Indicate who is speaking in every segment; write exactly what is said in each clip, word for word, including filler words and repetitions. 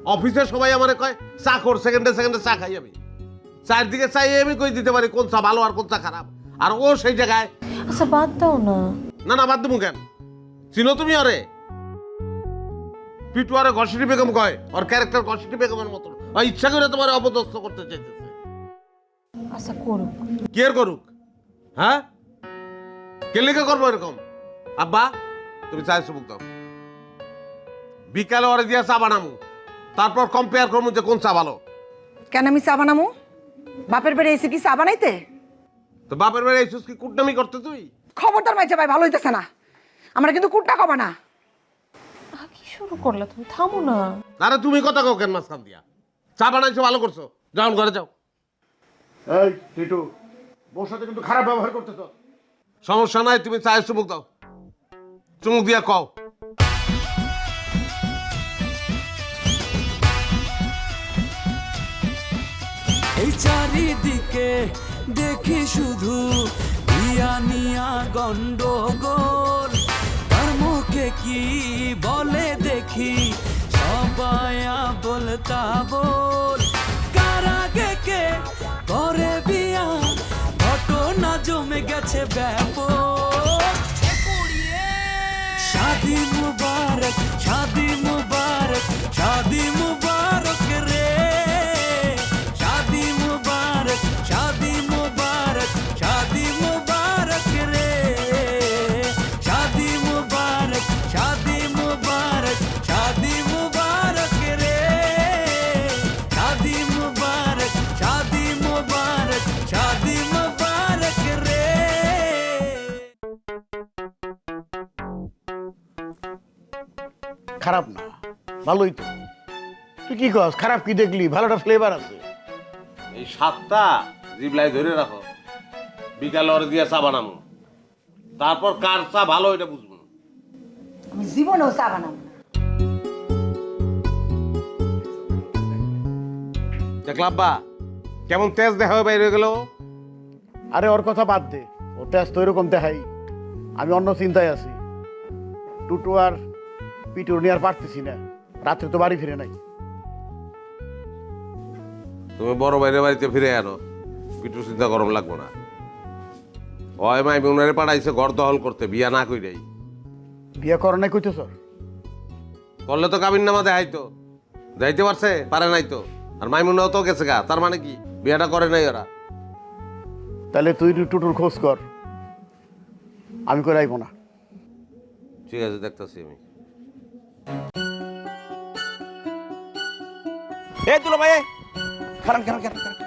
Speaker 1: অফিসে সবাই আমারে কয় চা কর, সেকেন্ডে সেকেন্ডে চা খাই আমি। চারদিকে চাই আমি কই দিতে পারি কোন চা ভালো আর কোন চা খারাপ, আর ও সেই জায়গায়।
Speaker 2: আচ্ছা বাদ দাও না।
Speaker 1: না না বাদ দেবো কেন? চিনো তুমি আরে? পিটু আরে ঘষিটি বেগম কয়, ওর ক্যারেক্টার ঘষিটি বেগমের মতন। ও ইচ্ছা করে তোমার অপদস্থ করতে চাইতেছে।
Speaker 2: আচ্ছা করুক।
Speaker 1: কি আর করুক? হ্যাঁ, কে লিখে করবো এরকম? আব্বা তুমি চাই সুবুক দাও, বিকালে ওরে দিয়া চা বানামু, তারপর কম্পেয়ার করবো যে কোন চা ভালো।
Speaker 3: কেন আমি চা বানামু? বাপের বাড়ি এসে কি চা বানাইতে?
Speaker 1: তো বাপের বাড়ি আইসুস কি কুটনামি করতে তুই?
Speaker 3: খবরদার মাইছে ভাই, ভালো হইতেছে না। আমরা কিন্তু কুটটা কবা না।
Speaker 2: আহ, কি শুরু করলে তুমি? থামো না।
Speaker 1: আরে তুমি কথা কও কেন মাঝখান দিয়া? চা বানাইছো ভালো করছো, যাও ঘরে যাও। এই টিটু, ওর সাথে কিন্তু খারাপ ব্যবহার করতেছ। সমস্যা নাই, তুমি চায়ের চুমুক দাও, চুমুক দিয়া কও।
Speaker 4: এই চারিদিকে দেখি শুধু ইয়া নিয়া গন্ডগোল, তার মুখে কি বলে দেখি সবাই বলতা বল, কার আগে কে করে বিয়া ঘটনা জমে গেছে ব্যাপক। শাদি মুবারক, শাদি মুবারক, শাদি মুবারক রে, শাদি মুবারক, শাদি মুবারক, শাদি মুবারক রে, শাদি মুবারক, শাদি মুবারক, শাদি মুবারক রে, শাদি মুবারক, শাদি মুবারক, শাদি মুবারক রে।
Speaker 5: খারাপ না, ভালোই তো। তুই কি কস? খারাপ কি দেখলি? ভালোটা ফ্লেভার আছে।
Speaker 1: এই সাতটা জিবলাই ধরে রাখো, বিকালে ওরে দিয়া চা বানামু, তারপর কার চা ভালো এটা বুঝবো।
Speaker 3: আমি জীবনেও চা বানাবো না।
Speaker 1: দেখলা আব্বা কেমন তেজ দেখা হয়ে বাইরে গেল?
Speaker 5: আরে ওর কথা বাদ দে, ও তেজ তো এরকম দেখাই। আমি অন্য চিন্তায় আছি। টুটু আর পিটুর নিয়ে আর পারতেছি না, রাত্রে তো বাড়ি ফিরে নাই।
Speaker 1: তুমি বড় বাইরে বাড়িতে ফিরে আনো, পিটু চিন্তা গরম লাগবো না। ওই মাই উনারে পাঠাইছে ঘর দখল করতে, বিয়া না কইরাই।
Speaker 5: বিয়ে করো নাই কইতেছ?
Speaker 1: করলে তো কাবিন নামা দেখাইতো, যাইতে পারছে পারে নাই তো। আর মাইমুনাও তো গেছে গা, তার মানে কি বিয়াটা করে নাই ওরা?
Speaker 5: তাহলে তুই টুটুর খোঁজ কর, আমি করে আইব না।
Speaker 1: ঠিক আছে, দেখতেছি আমি।
Speaker 6: এ তুলো ভাই, খারান খারান খারান খারান।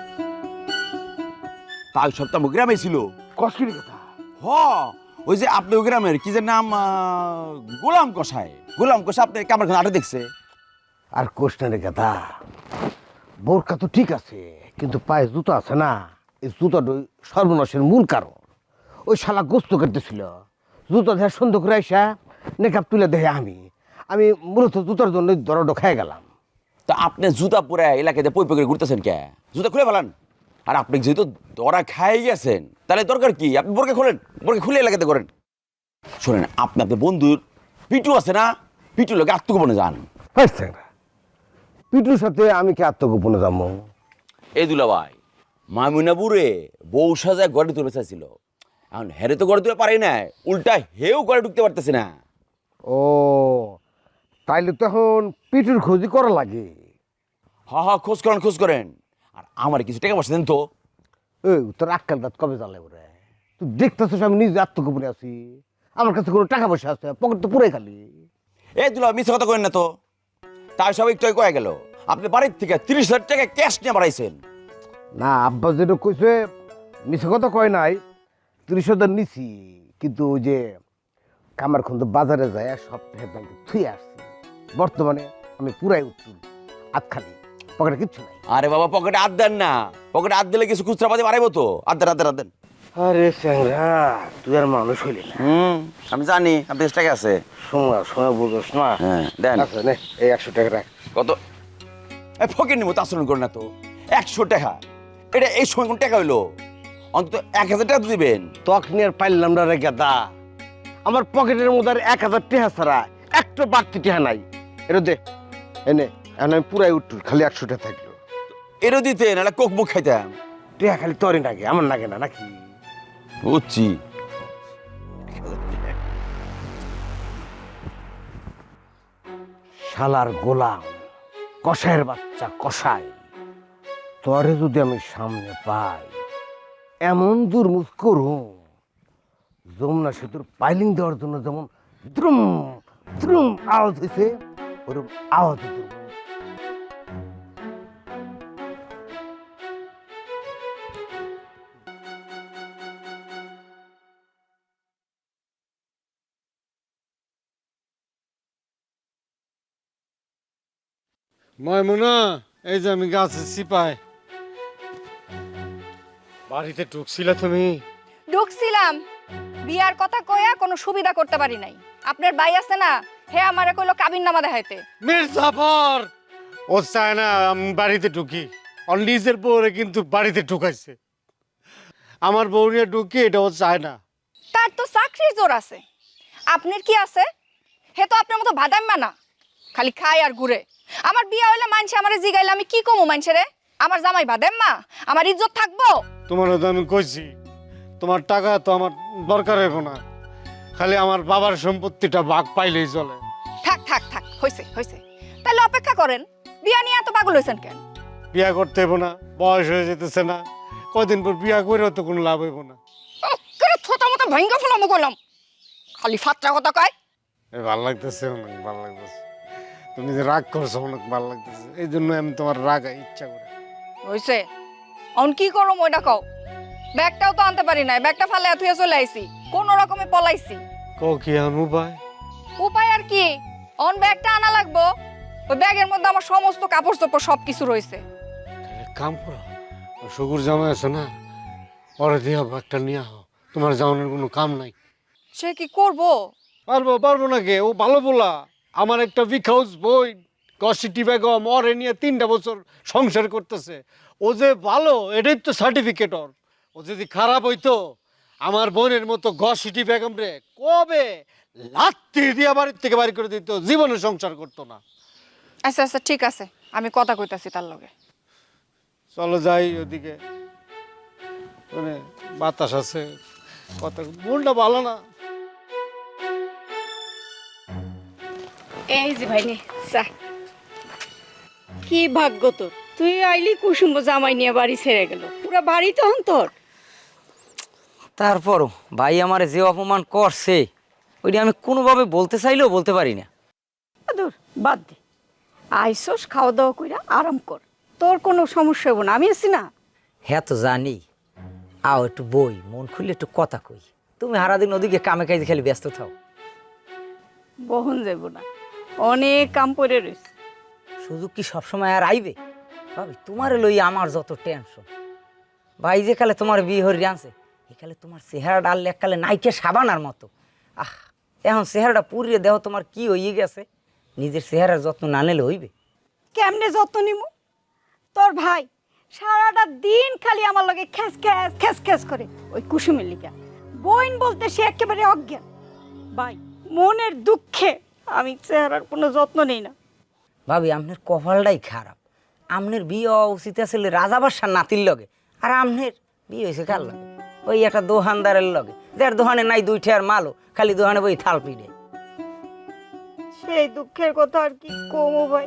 Speaker 6: তাই সপ্তাহ গ্রামে ছিল।
Speaker 5: কষ্টের কথা।
Speaker 6: হ, ওই যে আপনি ওই গ্রামের কি যে নাম, গোলাম কষাই। গোলাম কষাই আপনি কামার খান আটে দেখছে।
Speaker 7: আর কোষ্টের কথা, বোরকা তো ঠিক আছে, কিন্তু পায়ে জুতো আছে না, এই জুতোটা সর্বনাশের মূল কারণ। ওই শালা গোস্ত কাটতেছিল, জুতো দেখে সন্দেহ করে আইসা নেকাপ তুলে দেখে আমি আমি মূলত জুতোর জন্য দরড খেয়ে গেলাম।
Speaker 6: তা আপনি জুতা পরে এলাকাতে পই পই করে ঘুরতেছেন কে? জুতা খুলে ফেলান। আর আপনি যেহেতু ধরা খাই গেছেন, তাহলে দরকার কি আপনি বোরকা খোলেন, বোরকা খুলে এলাকাতে করেন। শোনেন, আপনি আপনার বন্ধুর পিটু আছে না, পিটুর লোকে আত্মগোপনে যান।
Speaker 7: হয়েছে না, পিটুর সাথে আমি কি আত্মগোপনে যাবো?
Speaker 6: এই দুলা ভাই, মামুনাপুরে বউ সাজায় ঘরে তুলে চাইছিল, এখন হেরে তো ঘরে তুলে পারে না, উল্টা হেও ঘরে ঢুকতে পারতেছে না।
Speaker 7: ও তাইলে তখন পিটুর খোঁজই করা লাগে।
Speaker 6: হা হা, খোঁজ করেন খোঁজ করেন। আর আমার কিছু টাকা পয়সা দেন তো।
Speaker 7: এই তোর আক্কাল দাঁত কবে জ্বালে ওরে? তুই দেখতেছিস আমি নিজে আত্মগোপনে আছি, আমার কাছে কোনো টাকা পয়সা আছে? পকেট তো পুরাই খালি।
Speaker 6: এই দুলা মিথ্যা কথা করেন না তো। তাই সব একটু কয়ে গেল আপনি বাড়ির থেকে তিরিশ হাজার টাকা ক্যাশ নিয়ে বাড়াইছেন।
Speaker 7: না, আব্বা যেটা কইছে মিছে কথা কয় নাই, তিরিশ হাজার নিছি, কিন্তু ওই যে কামার খন্দ বাজারে যায় সপ্তাহে ব্যাংকে থুয়ে আসছি। বর্তমানে আমি পুরাই উত্তুল, হাত খালি, পকেটে কিচ্ছু নাই।
Speaker 6: আরে বাবা, পকেটে হাত দেন না, পকেটে হাত দিলে কিছু খুচরা পাতি বাড়াইবো তো। হাত দেন হাত দেন হাত দেন।
Speaker 7: আরে স্যাংরা, তুই আর মানুষ হইলি না।
Speaker 6: হুম, আমি জানি আপনার টাকা আছে।
Speaker 7: সময় সময় বুঝোস না।
Speaker 6: হ্যাঁ দেন।
Speaker 7: আচ্ছা নে, এই একশো টাকা রাখ।
Speaker 6: কত? এই ফকির নিমো আচরণ করেন না তো। একশো টাকা, এটা এই সময় কোন টাকা হইলো? অন্তত এক হাজার টাকা তো দিবেন।
Speaker 7: তখ নিয়ে আর পাইলাম না রে গাদা, আমার পকেটের মধ্যে আর এক হাজার টাকা ছাড়া একটা বাড়তি টাকা নাই। এটা দে, এনে এখন আমি পুরাই উঠটুর খালি একশোটা থাকলো।
Speaker 6: এরও দিতে নাহলে কোক মুখ খাইতাম।
Speaker 7: টিয়া খালি তরে নাগে, আমার নাগে না নাকি?
Speaker 6: বুঝছি।
Speaker 7: শালার গোলাম, কষায়ের বাচ্চা কষাই, তরে যদি আমি সামনে পাই এমন দুর্মুখ করুম, যমুনা সেতুর পাইলিং দেওয়ার জন্য যেমন দ্রুম দ্রুম আওয়াজ হয়েছে ওরকম আওয়াজ দ্রুম।
Speaker 8: ময়মুনা, এই যে আমি গাছে সিপাই। বাড়িতে ঢুকছিলে তুমি?
Speaker 9: ঢুকছিলাম, বিয়ার কথা কয়া কোনো সুবিধা করতে পারি নাই। আপনার ভাই আছে না, হে আমারে কইলো কাবিন নামা দেখাইতে।
Speaker 8: মির্জাফর ও চায় না আমি বাড়িতে ঢুকি, ওর নিজের বউরে কিন্তু বাড়িতে ঢুকাইছে। আমার বউ নিয়ে ঢুকি এটা ও চায় না।
Speaker 9: তার তো চাকরির জোর আছে, আপনার কি আছে? হে তো আপনার মতো ভাদাম্মা না, খালি খায় আর ঘুরে। আমার বিয়া হইলে মানছে আমারে জিগাইলে আমি কি কমু মানছে রে? আমার জামাই ভাদাম্মা, আমার ইজ্জত থাকবো?
Speaker 8: তোমার তো আমি কইছি তোমার টাকা তো আমার দরকার হইব না, খালি আমার বাবার সম্পত্তিটা ভাগ পাইলেই চলে।
Speaker 9: থাক থাক থাক, হইছে হইছে, তাহলে অপেক্ষা করেন। বিয়া নিয়ে এত পাগল হইছেন কেন?
Speaker 8: বিয়া করতে হইব না, বয়স হয়ে যেতেছে না, কয়দিন পর বিয়া করেও তো কোনো লাভ হইব না।
Speaker 9: করে ছোটা মতো ভাঙ্গা ফেলামো কইলাম, খালি ফাত্রা কথা কয়।
Speaker 8: এই ভাল লাগতেছে, অনেক ভাল লাগতেছে। তুমি যে রাগ করছো অনেক ভাল লাগতেছে, এই জন্য আমি তোমার রাগাই ইচ্ছা করে।
Speaker 9: হইছে, অন কি করম ওইটা কও। ব্যাগটাও তো আনতে পারি নাই, ব্যাগটা ফালে থুয়ে চলে আইছি, কোন রকমে পলাইছি।
Speaker 8: কও কি এখন উপায়?
Speaker 9: উপায় আর কি, অন ব্যাগটা আনা লাগবো। ওই ব্যাগের মধ্যে আমার সমস্ত কাপড় চোপড় সবকিছু রয়েছে।
Speaker 8: এক কাম করো, শুকুর জামাই আছে না, পরে দিয়ে একটা নিয়ে আহ, তোমার জামানের কোনো কাম নাই।
Speaker 9: সে কি করবো?
Speaker 8: পারবো পারবো না কে, ও ভালো বলা। আমার একটা উইক হাউস বই গসিটি বেগম ওরে নিয়ে তিনটা বছর সংসার করতেছে। ও যে ভালো এটাই তো সার্টিফিকেট ওর। ও যদি খারাপ হইতো আমার বোনের মতো গসিটি বেগম রে কবে লাত্তি দিয়ে বাড়ির থেকে বাড়ি করে দিত, জীবনে সংসার করতো না।
Speaker 9: আচ্ছা আচ্ছা ঠিক আছে, আমি কথা কইতাছি তার লগে।
Speaker 8: চলো যাই ওদিকে, মানে বাতাস আছে, কথা মনটা ভালো না।
Speaker 10: এই যে ভাই নে চা। কি ভাগ্য তোর, তুই আইলি কুসুম জামাই নিয়ে বাড়ি ছেড়ে গেল, পুরা বাড়ি তখন তোর।
Speaker 11: তারপরও ভাই আমারে যে অপমান করছে ওইটা আমি কোনোভাবে বলতে চাইলেও বলতে পারি না।
Speaker 10: দূর বাদ দে, আইসোস খাওয়া দাওয়া কইরা আরাম কর, তোর কোনো সমস্যা হবো না, আমি আছি না।
Speaker 11: হ্যাঁ তো জানি, আও একটু বই, মন খুললে একটু কথা কই। তুমি সারাদিন ওদিকে কামে কাজে খালি ব্যস্ত থাও।
Speaker 10: বহন যাব না, অনেক কাম পড়ে রয়েছে।
Speaker 11: সুযোগ কি সবসময় আর আইবে? ভাবি তোমারে লই আমার যত টেনশন। ভাই যে কালে তোমার বিয়ে হরি আনছে একালে তোমার চেহারা ডাললে এককালে নাইকে সাবানার মতো। আহ এখন চেহারাটা পুড়িয়ে দেহ তোমার কি হয়ে গেছে, নিজের চেহারার যত্ন না নিলে হইবে?
Speaker 10: কেমনে যত্ন নিমু? তোর ভাই সারাটা দিন খালি আমার লগে খ্যাস খ্যাস খ্যাস খ্যাস করে, ওই কুসুমের লিগা। বোন বলতে সে একেবারে অজ্ঞান। ভাই মনের দুঃখে আমি চেহারার কোনো যত্ন নেই না।
Speaker 11: ভাবি আপনার কপালটাই খারাপ, আপনার বিয়ে হওয়া উচিত আসলে রাজা বাদশার নাতির লগে, আর আপনার বিয়ে হয়েছে কার লগে? ওই একটা দোকানদারের লগে, যার দোকানে নাই দুই ঠেয়ার মালও, খালি দোকানে বই থাল পিড়ে।
Speaker 10: সেই দুঃখের কথা আর কি কমো ভাই।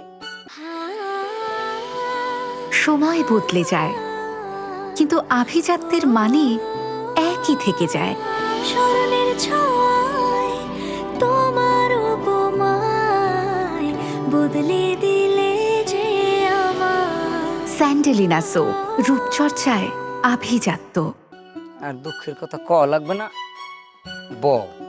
Speaker 12: সময় বদলে যায় কিন্তু আভিজাত্যের মানে একই থেকে যায়। স্মরণের ছোঁয়ায় তোমার উপমায় বদলে দিলে যে আমার। স্যান্ডেলিনা সো, রূপচর্চায় আভিজাত্য।
Speaker 11: আর দুঃখের কথা ক লাগবে না, ব।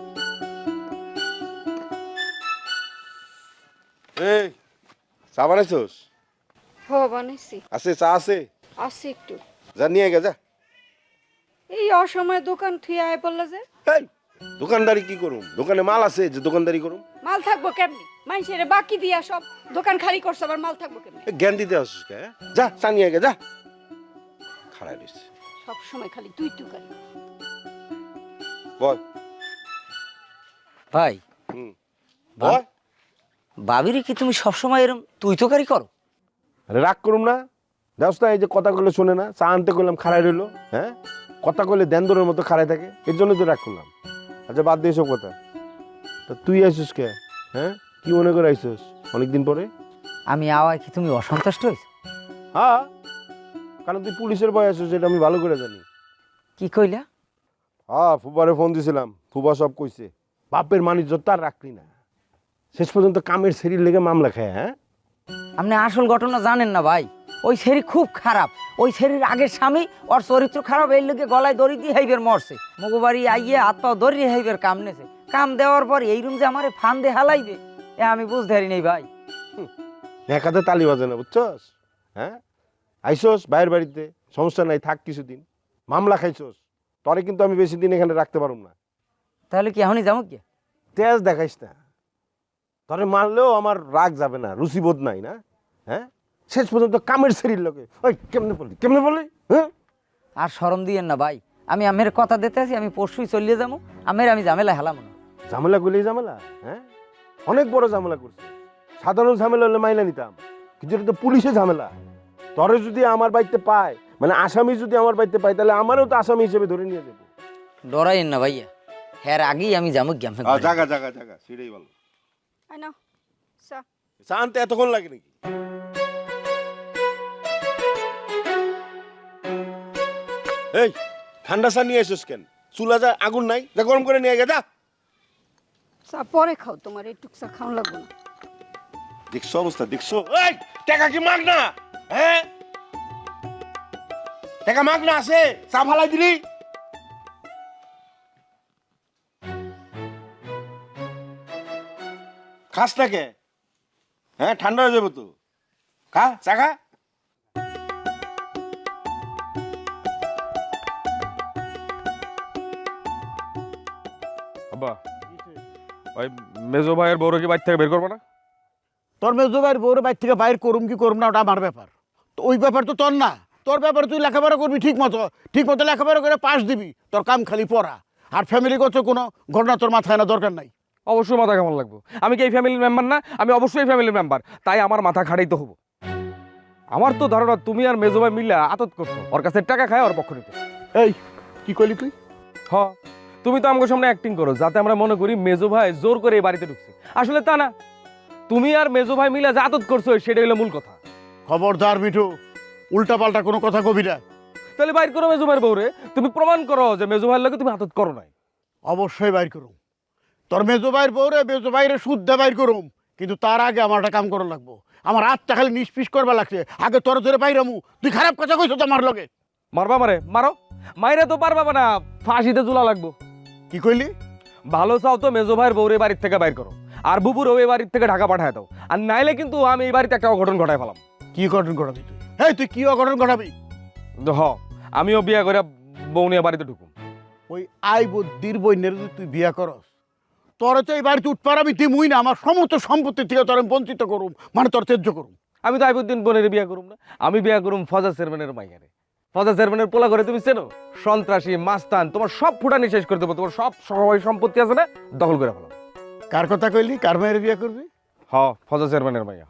Speaker 1: এই চা বানাইছস?
Speaker 10: হ বানাইছি,
Speaker 1: আছে চা আছে,
Speaker 10: আসি একটু।
Speaker 1: যা নিয়ে গে যা।
Speaker 10: এই অসময়ে দোকান থুয়ে আয় বললে যে।
Speaker 1: এই দোকানদারি কি করুম? দোকানে মাল আছে যে দোকানদারি করুম?
Speaker 10: মাল থাকবো কেমনি? মানুষের বাকি দিয়া সব দোকান খালি করছে, আবার মাল থাকবো কেমনি?
Speaker 1: এ, জ্ঞান দিতে আসছিস কে? হ্যাঁ? যা চা নিয়ে গে যা। খাড়াই রইছে,
Speaker 10: সব সময় খালি তুই তুকারি।
Speaker 1: বল।
Speaker 11: ভাই
Speaker 1: হুম বল।
Speaker 11: ভাবিরে কি তুমি সবসময় এরম তুই তো কারি করো?
Speaker 13: আরে রাগ করুম না, দেখছ না এই যে কথা কইলে শোনে না, চা আনতে করলাম খাড়াই রইলো, হ্যাঁ কথা কইলে দেন্দরের মতো খাড়াই থাকে, এর জন্য তো রাগ করলাম। আচ্ছা বাদ দিয়ে সব কথা, তা তুই আইসিস কে? হ্যাঁ কি মনে করে আইসিস অনেকদিন পরে?
Speaker 11: আমি আওয়ায় কি তুমি অসন্তুষ্ট হয়েছ?
Speaker 13: হ্যাঁ, কারণ তুই পুলিশের ভয় আছিস, যেটা আমি ভালো করে জানি।
Speaker 11: কি কইলা?
Speaker 13: হ্যাঁ, ফুবারে ফোন দিছিলাম, ফুবা সব কইছে। বাপের মানিজ্য তার রাখলি না, শেষ পর্যন্ত কামের শরীর লেগে মামলা খায়। হ্যাঁ,
Speaker 11: আপনি আসল ঘটনা জানেন না ভাই। ওই শরীর খুব খারাপ, ওই শরীর আগের স্বামী ওর চরিত্র খারাপ, এই লোকে গলায় দড়ি দিয়ে হাইবের মরছে, মগবাড়ি আইয়ে হাত পাও দড়ি হাইবের কাম নেছে। কাম দেওয়ার পর এই রুম যে আমারে ফান দিয়ে হালাইবে, এ আমি বুঝতে পারি নাই ভাই।
Speaker 13: একাতে তালি বাজে না, বুঝছস? হ্যাঁ, আইসোস বাইরের বাড়িতে, সমস্যা নাই, থাক কিছুদিন। মামলা খাইছোস, তরে কিন্তু আমি বেশি দিন এখানে রাখতে পারুম না।
Speaker 11: তাহলে কি এখনই যাবো কি?
Speaker 13: তেজ দেখাইস না, তরে মারলেও আমার রাগ যাবে না, রুচিবোধ নাই না। হ্যাঁ, শেষ পর্যন্ত কামের শরীর লোকে। ওই কেমনে বললি কেমনে বললি? হ্যাঁ,
Speaker 11: আর শরম দিয়েন না ভাই, আমি আমের কথা দিতে আছি, আমি পরশুই চলিয়ে যাবো। আমের আমি ঝামেলা হেলাম না।
Speaker 13: ঝামেলা করলেই ঝামেলা? হ্যাঁ, অনেক বড় ঝামেলা করছে। সাধারণ ঝামেলা হলে মাইনা নিতাম, কিন্তু এটা তো পুলিশে ঝামেলা। তরে যদি আমার বাড়িতে পায়, মানে আসামি যদি আমার বাড়িতে পায়, তাহলে আমারও তো আসামি হিসেবে ধরে নিয়ে যাবো।
Speaker 11: ডরাইন না ভাইয়া, হ্যাঁ আগেই আমি যাবো কি?
Speaker 13: জাগা জাগা জাগা সেটাই ভালো।
Speaker 9: আই নাও চা।
Speaker 13: চা আনতে এতক্ষণ লাগে নাকি? এই ঠান্ডা চা নিয়ে এসেছিস কেন? চুলা যা আগুন নাই, যা গরম করে নিয়ে গেছা।
Speaker 10: চা পরে খাও, তোমার এইটুক চা খাওয়া লাগবে না।
Speaker 13: দেখছো অবস্থা, দেখছো? এই টাকা কি মাগ না? হ্যাঁ, টাকা মাগ না আছে, চা ফালাই দিলি। খাস না কে? হ্যাঁ, ঠান্ডা হয়ে যাবে তো। খা চা খা।
Speaker 14: আব্বা, ওই মেজো ভাইয়ের বউরে কি বাড়ি থেকে বের করবো না?
Speaker 5: তোর মেজো ভাইয়ের বউরে বাইর থেকে বাইর করুম কি করুম না, ওটা আমার ব্যাপার। তো ওই ব্যাপার তো তোর না, তোর ব্যাপারে তুই লেখাপড়া করবি ঠিক মতো, ঠিক মতো লেখাপড়া করে পাস দিবি, তোর কাম খালি পড়া। আর ফ্যামিলিগত কোনো ঘটনা তোর মাথায় না, দরকার নাই।
Speaker 14: অবশ্যই মাথা কেমন লাগবো? আমি কি এই ফ্যামিলির মেম্বার না? আমি অবশ্যই ফ্যামিলির মেম্বার, তাই আমার মাথা খাটাইতে হবো। আমার তো ধারণা তুমি আর মেজো ভাই মিলে আতত করছো, ওর কাছে টাকা খায় ওর পক্ষ নিতে।
Speaker 5: এই কি কইলি তুই?
Speaker 14: হ, তুমি তো আমার সামনে অ্যাক্টিং করো যাতে আমরা মনে করি মেজো ভাই জোর করে এই বাড়িতে ঢুকছে, আসলে তা না। তুমি আর মেজো ভাই মিলে যা আতত করছো সেটা হলো মূল কথা।
Speaker 5: খবরদার মিঠু, উল্টা পাল্টা কোনো কথা কবি না।
Speaker 14: তাহলে বাইর করো মেজো ভাইয়ের বউরে, তুমি প্রমাণ করো যে মেজো ভাইয়ের লগে তুমি আতত করো নাই।
Speaker 5: অবশ্যই বাইর করুম, তোর মেজো ভাইয়ের বউরে মেজো ভাইরে শুদ্ধ বাইর করুম, কিন্তু তার আগে আমার একটা কাম করা লাগবো। আমার হাতটা খালি নিষ্পিস করবা লাগছে, আগে তোর ধরে বাইরামু। তুই খারাপ কথা কইছো তো আমার লগে।
Speaker 14: মারবা মারে মারো, মাইরে তো পারবা না, ফাঁসিতে ঝুলা লাগবো।
Speaker 5: কি কইলি?
Speaker 14: ভালো চাও তো মেজো ভাইয়ের বউরে বাড়ির থেকে বাইর করো, আর বুবুরও এই বাড়ির থেকে ঢাকা পাঠায় দাও, আর নাইলে কিন্তু আমি এই বাড়িতে একটা অঘটন ঘটায় ফেলাম।
Speaker 5: কি অঘটন ঘটাবি তুই? এই তুই কি অঘটন ঘটাবি?
Speaker 14: হ, আমিও বিয়া করে বউ নিয়ে বাড়িতে ঢুকুম।
Speaker 5: ওই আই বুদ্ধির বইনের যদি তুই বিয়া করস, তোরে তো এই বাড়িতে উঠপার আমি দিমুই না। আমার সমস্ত সম্পত্তি থেকে তোর আমি বঞ্চিত করুম, মানে তোর ত্যায্য করুম।
Speaker 14: আমি তো আইবুদ্দিন বোনের বিয়া করুম না, আমি বিয়া করুম ফজা চেয়ারম্যানের মাইয়ারে। ফজা চেয়ারম্যানের পোলা করে তুমি চেনো? সন্ত্রাসী, মাস্তান, তোমার সব ফুটানি শেষ করে দেবো, তোমার সব সবাই সম্পত্তি আছে না দখল করে ফেলো।
Speaker 5: কার কথা কইলি? কার মায়ের বিয়া করবি?
Speaker 14: হ, ফজা চেয়ারম্যানের মাইয়া।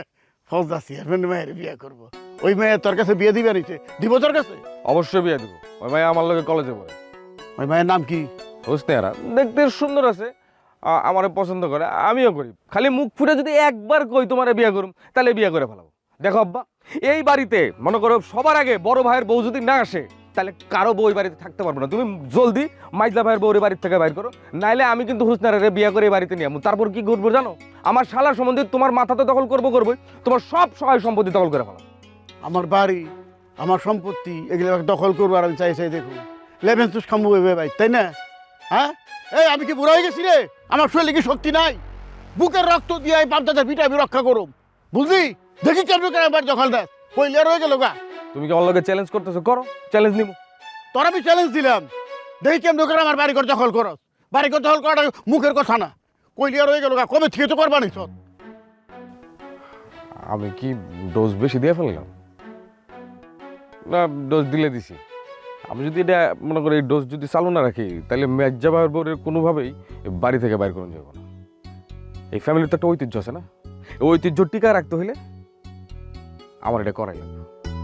Speaker 5: ফজদা চেয়ারম্যান মায়ের বিয়া করবো? ওই মেয়ে তোর কাছে বিয়ে দিবে নিছে? দিব তোর কাছে?
Speaker 14: অবশ্যই বিয়া দিব। ওই মাইয়া আমার লগে কলেজে পড়ে।
Speaker 5: ওই মায়ের নাম কি?
Speaker 14: হোসনেহারা, দেখতে সুন্দর আছে, আমার পছন্দ করে, আমিও করি। খালি মুখ ফুটে যদি একবার কই তোমারে বিয়া করুম, তাহলে বিয়া করে ফেলাবো। দেখো আব্বা, এই বাড়িতে মনে করো সবার আগে বড় ভাইয়ের বউ যদি না আসে, তাহলে কারো বউ এই বাড়িতে থাকতে পারবো না। তুমি জলদি মাইজলা ভাইয়ের বউরে বাড়ির থেকে বাইর করো, নাইলে আমি কিন্তু হুসনারে বিয়া করে এই বাড়িতে নিয়ে আমু। তারপর কি করবো জানো? আমার শালার সম্বন্ধে তোমার মাথা তো দখল করবো করবোই, তোমার সব সহায় সম্পত্তি দখল করে ফেলাম।
Speaker 5: আমার বাড়ি, আমার সম্পত্তি, এগুলো দখল করবো আর আমি চাই চাই দেখুন লেভেন তুস খামু ভাই, তাই না? হ্যাঁ, এই আমি কি বুড়া হয়ে গেছি রে? আমার শরীরে কি শক্তি নাই? বুকের রক্ত দিয়ে এই বাপদাদার পিঠা আমি রক্ষা করুম, বুঝলি? দেখি কেমন করে আমার দখল দেয়, পয়লা রয়ে গেল গা।
Speaker 14: তুমি কি আমার লগে চ্যালেঞ্জ করতেছো? করো, চ্যালেঞ্জ নিব।
Speaker 5: তোর আমি চ্যালেঞ্জ দিলাম, দেখি কেমন করে আমার বাড়ি ঘর দখল করস। বাড়ি ঘর দখল করাটা মুখের কথা না, কইলিয়া রয়ে গেল গা। কবে থেকে তো করবা নি?
Speaker 14: আমি কি ডোজ বেশি দিয়ে ফেললাম? না, ডোজ দিলে দিছি। আমি যদি এটা মনে করি এই ডোজ যদি চালু না রাখি, তাহলে মেজ্জা ভাইয়ের বউরের কোনোভাবেই বাড়ি থেকে বাইর করে যাবো না। এই ফ্যামিলির তো একটা ঐতিহ্য আছে না? ওই ঐতিহ্য টিকা রাখতে হইলে আমার এটা করাই লাগবে।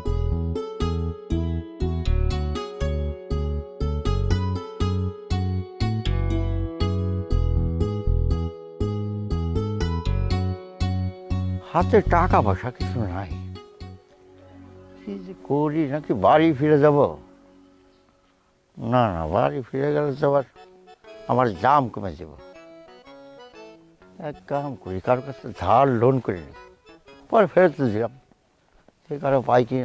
Speaker 7: হাতে টাকা পয়সা কিছু নাই, কি যে করি, নাকি বাড়ি ফিরে যাব? না না, বাড়ি ফিরে গেলে তো আবার আমার জাম কমে যাব। এক কাম করি, কারোর কাছে ধার লোন করে নিই, পরে ফেরত দিলাম, সে কারো পাই কি না।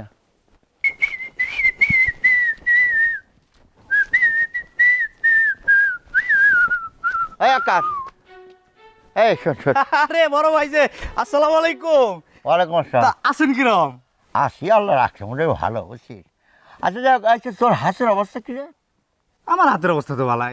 Speaker 7: এই আকাশ, এই শোন শোন।
Speaker 15: আরে বড় ভাই যে, আসসালামু আলাইকুম।
Speaker 7: ওয়ালাইকুম আসসালাম।
Speaker 15: আছেন কিরম?
Speaker 7: আসি, আল্লাহ রাখছে, মনে হয় ভালো, বুঝছিস। আচ্ছা যাক, আচ্ছা তোর হাতের অবস্থা কি রে?
Speaker 15: আমার হাতের অবস্থা তো ভালাই।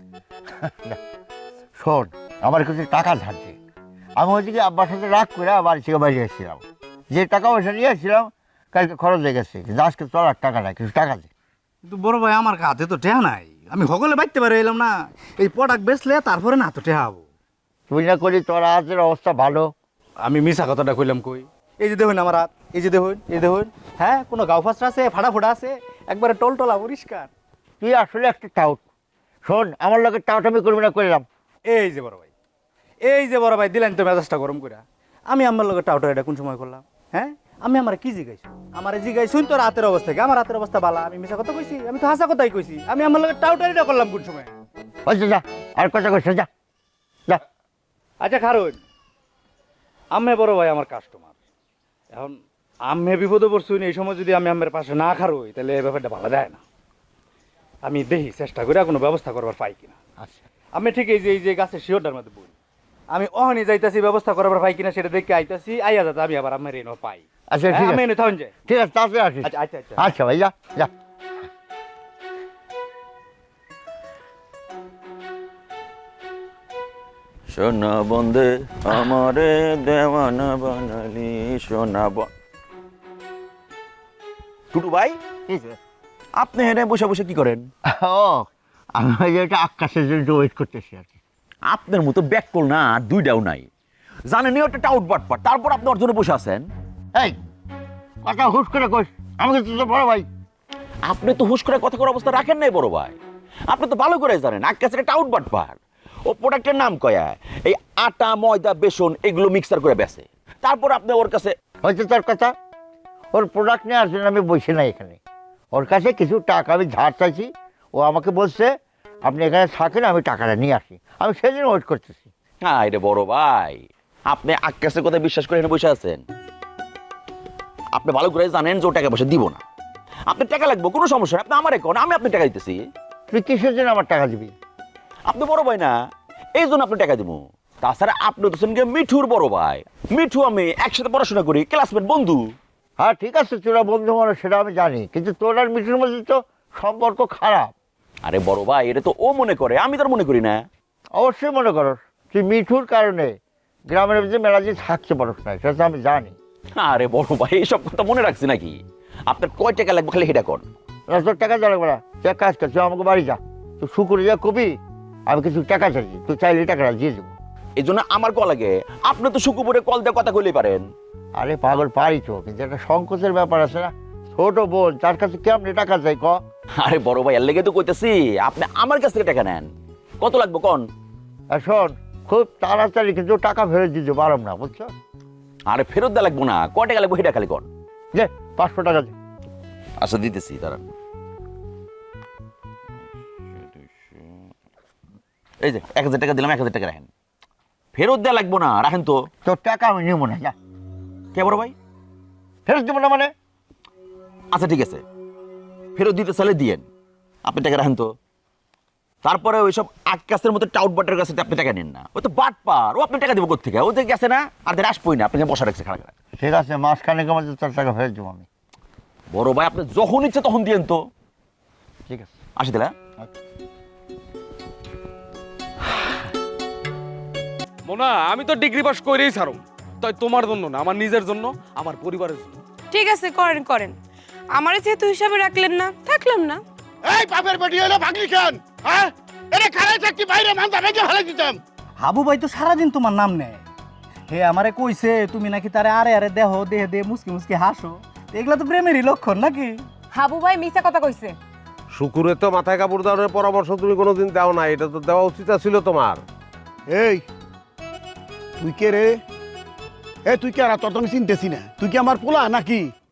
Speaker 7: শোন, আমার কাছে টাকা ধারছে, আমি ওইদিকে আব্বার সাথে রাগ করে বাড়ি থেকে বাড়ি এসেছিলাম, যে টাকা পয়সা নিয়ে এসেছিলাম কালকে খরচ হয়ে গেছে, আজকে তোর আর টাকা নাই, কিছু টাকা দে।
Speaker 15: কিন্তু বড় ভাই আমার হাতে তো টেহা নাই, আমি হগলে বাইতে পারে এলাম না, এই প্রোডাক্ট বেচলে তারপরে না তো টেহা হবো।
Speaker 7: তুই না করি তোর হাতের অবস্থা ভালো?
Speaker 15: আমি মিশা কথাটা কইলাম কই? এই যে দেখুন আমার হাত, এই যে দেখুন, এই দেখুন, হ্যাঁ কোনো গাও ফাঁসটা আছে, ফাটা ফোটা আছে, একবারে টলটলা পরিষ্কার।
Speaker 7: তুই আসলে একটা টাউট। শোন, আমার লোকের টাউট আমি করবি না, করলাম।
Speaker 15: এই যে বড় ভাই, এই যে বড় ভাই দিলেন তো মেজাজটা গরম করে। আমি আমার লোকের টাউটা এটা কোন সময় করলাম? হ্যাঁ, আমি আমার কি জিগাইছি? আমার জিগাইছুন তোর হাতের অবস্থা কি? আমার হাতের অবস্থা বালা, আমি মিশা কথা কইছি? আমি তো হাসা কথাই কইছি। আমি আমার লোকের টাউটা এটা করলাম কোন সময়?
Speaker 7: আচ্ছা যা, আর কথা কইছ, যা যা।
Speaker 15: আচ্ছা খারুন, আম্মে বড় ভাই আমার কাস্টমার, এখন আম্মে বিপদে পড়ছুন, এই সময় যদি আমি আম্মের পাশে না খারুই তাহলে এই ব্যাপারটা ভালো যায় না। আমি দেখি চেষ্টা করে কোনো ব্যবস্থা করবার পাই কিনা।
Speaker 7: আচ্ছা
Speaker 15: আমি ঠিক এই যে এই যে গাছের শিওরটার মধ্যে বলি, আমি অহনি যাইতাছি ব্যবস্থা করবার পাই কিনা সেটা দেখে আইতাছি, আইয়া যাতে আমি আবার আম্মের এনে পাই।
Speaker 7: আচ্ছা ঠিক
Speaker 15: হ্যাঁ, আমি
Speaker 7: আছে,
Speaker 15: এনে থাকুন যে।
Speaker 7: ঠিক আছে, তাড়াতাড়ি আসিস।
Speaker 15: আচ্ছা আচ্ছা আচ্ছা
Speaker 7: আচ্ছা ভাই, যা যা।
Speaker 6: সোনা বন্ধে আমারে দেওয়ানা বানালি সোনা বন। টুটু ভাই, আপনি এখানে বসে বসে কি করেন?
Speaker 7: ও, আমি ওই যে একটা আকাশের জন্য ওয়েট করতেছি আর কি।
Speaker 6: আপনার মতো ব্যাক কল না আর দুইটাও নাই, জানেন ওটা টাউট বাটপার, তারপর আপনি ওর জন্য বসে আছেন।
Speaker 7: এই কথা হুশ করে কইস, আমাকে তো বড় ভাই।
Speaker 6: আপনি তো হুশ করে কথা করার অবস্থা রাখেন নাই বড় ভাই, আপনি তো ভালো করে জানেন আকাশের টাউট বাটপার। ও প্রোডাক্টের নাম কয়া এই আটা ময়দা বেসন এগুলো মিক্সার করে বেচে, তারপর আপনি ওর কাছে।
Speaker 7: হয়তো তোর কথা, ওর প্রোডাক্ট নেওয়ার জন্য আমি বসে নাই এখানে, ওর কাছে কিছু টাকা আমি ধার চাইছি, ও আমাকে বলছে আপনি এখানে থাকেন, আমি টাকাটা নিয়ে আসি, আমি সেদিন ওয়েট করতেছি।
Speaker 6: হ্যাঁ রে বড় ভাই, আপনি আকাশের কথা বিশ্বাস করে এখানে বসে আছেন, আপনি ভালো করে জানেন যে ও টাকা পয়সা দিব না। আপনার টাকা লাগবে, কোনো সমস্যা নেই, আপনি আমারে কোন, আমি আপনার টাকা দিতেছি।
Speaker 7: তুই কিসের জন্য আমার টাকা দিবি?
Speaker 6: আপনি বড় ভাই না, এই জন্য আপনি টাকা দিব। তাছাড়া আপনি তো সঙ্গে মিঠুর বড় ভাই, মিঠু আমি একসাথে পড়াশোনা করি, ক্লাসমেট, বন্ধু।
Speaker 7: হ্যাঁ ঠিক আছে, তোরা বন্ধু মানুষ সেটা আমি জানি, কিন্তু তোর আর মিঠুর মধ্যে তো সম্পর্ক খারাপ।
Speaker 6: আরে বড় ভাই, এটা তো ও মনে করে, আমি তার মনে করি না।
Speaker 7: অবশ্যই মনে করস, তুই মিঠুর কারণে গ্রামের মধ্যে মেলা দিয়ে থাকতে পারস না, সেটা তো আমি জানি।
Speaker 6: আরে বড় ভাই, এইসব কথা মনে রাখছি নাকি? আপনার কয় টাকা লাগবে খালি সেটা কর।
Speaker 7: তোর টাকা দেওয়া লাগবে না, তুই এক কাজ কর, তুই আমাকে বাড়ি যা, তুই শুকুরে যা কবি আমি কিছু টাকা চাইছি, তুই চাইলে টাকাটা দিয়ে দেবো।
Speaker 6: এই জন্য আমার কল লাগে, আপনি তো শুকুপুরে কল দিয়ে কথা কইলেই পারেন।
Speaker 7: আরে পাগল, পারি তো, কিন্তু একটা সংকোচের ব্যাপার আছে না, ছোট বোন তার কাছে কেমনি টাকা চাই ক?
Speaker 6: আরে বড় ভাই, এর লেগে তো কইতেছি আপনি আমার কাছ থেকে টাকা নেন। কত লাগবে কোন?
Speaker 7: আর শোন, খুব তাড়াতাড়ি কিন্তু টাকা ফেরত দিতে পারব না, বুঝছো?
Speaker 6: আরে ফেরত দেওয়া লাগবো না, কয় টাকা লাগবে সেটা খালি কোন।
Speaker 7: যে পাঁচশো টাকা দে।
Speaker 6: আচ্ছা দিতেছি, তারা এই যে এক হাজার টাকা দিলাম, এক হাজার টাকা রাখেন, ফেরত দেওয়া লাগবো না, রাখেন তো।
Speaker 7: তোর টাকা আমি নিব না, যা।
Speaker 6: কে বড় ভাই?
Speaker 7: ফেরত দেবো না মানে?
Speaker 6: আচ্ছা ঠিক আছে, ফেরত দিতে চাইলে দিয়েন, আপনি টাকা রাখেন তো। তারপরে ওইসব আকাশের মতো টাউট বাটের কাছে আপনি টাকা নেন না, ও তো বাট পার, ও আপনি টাকা দেবো কোথেকে? ও যে গেছে না, আর দের আসবোই না, আপনি বসা রাখছে খাড়া খাড়া।
Speaker 7: ঠিক আছে, মাস খানেকের মধ্যে তোর টাকা ফেরত দেবো আমি।
Speaker 6: বড় ভাই, আপনি যখন ইচ্ছে তখন দিয়েন তো।
Speaker 7: ঠিক আছে,
Speaker 6: আসি তাহলে।
Speaker 14: মোনা, আমি তো ডিগ্রি পাস করেই ছাড়ো, তাই তোমার জন্য না, আমার নিজের জন্য, আমার পরিবারের জন্য।
Speaker 16: ঠিক আছে, করেন করেন, আমারে যেহেতু হিসাবে রাখলেন না, থাকলাম না।
Speaker 5: এই বাপের বেটি হলো ভাগলি খান, হ্যাঁ এটা খারাই থাকতি বাইরে মানতা ভেজে ভালো দিতাম।
Speaker 15: হাবু ভাই তো সারাদিন তোমার নাম নেয়, হে আমারে কইছে তুমি নাকি তারে আরে আরে দেহ দেহে দে মুসকি মুসকি হাসো এগুলা তো প্রেমেরই লক্ষণ নাকি?
Speaker 3: হাবু ভাই মিথ্যা কথা কইছে।
Speaker 1: শুকুরে তো মাথায় কাপড় দেওয়ার পরামর্শ তুমি কোনোদিন দাও না, এটা তো দেওয়া উচিত ছিল তোমার।
Speaker 5: এই তুই কে রে? এ তুই কে? আর তোর তো আমি চিনতেছি না। তুই কি আমার পোলা নাকি?